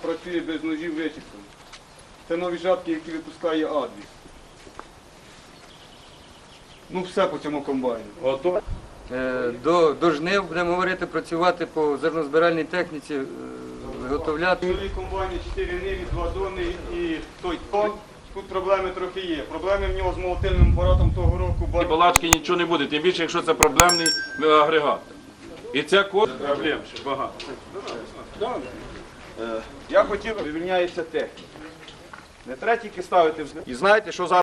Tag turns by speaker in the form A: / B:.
A: працює без ножів вичіпками. Це нові жатки, які випускає Адвіс. Ну все по цьому комбайну.
B: До жнив будемо говорити, працювати по зернозбиральній техніці, виготовляти.
A: Нові комбайни 4 ниві, 2 зони і той тон. Тут проблеми трохи є. Проблеми в нього з молотильним апаратом того року.
C: І балачки нічого не буде, тим більше, якщо це проблемний агрегат. І це проблем ще багато.
A: Я хотів, вивільняється техніка. Не треба тільки ставити. І знаєте, що зараз?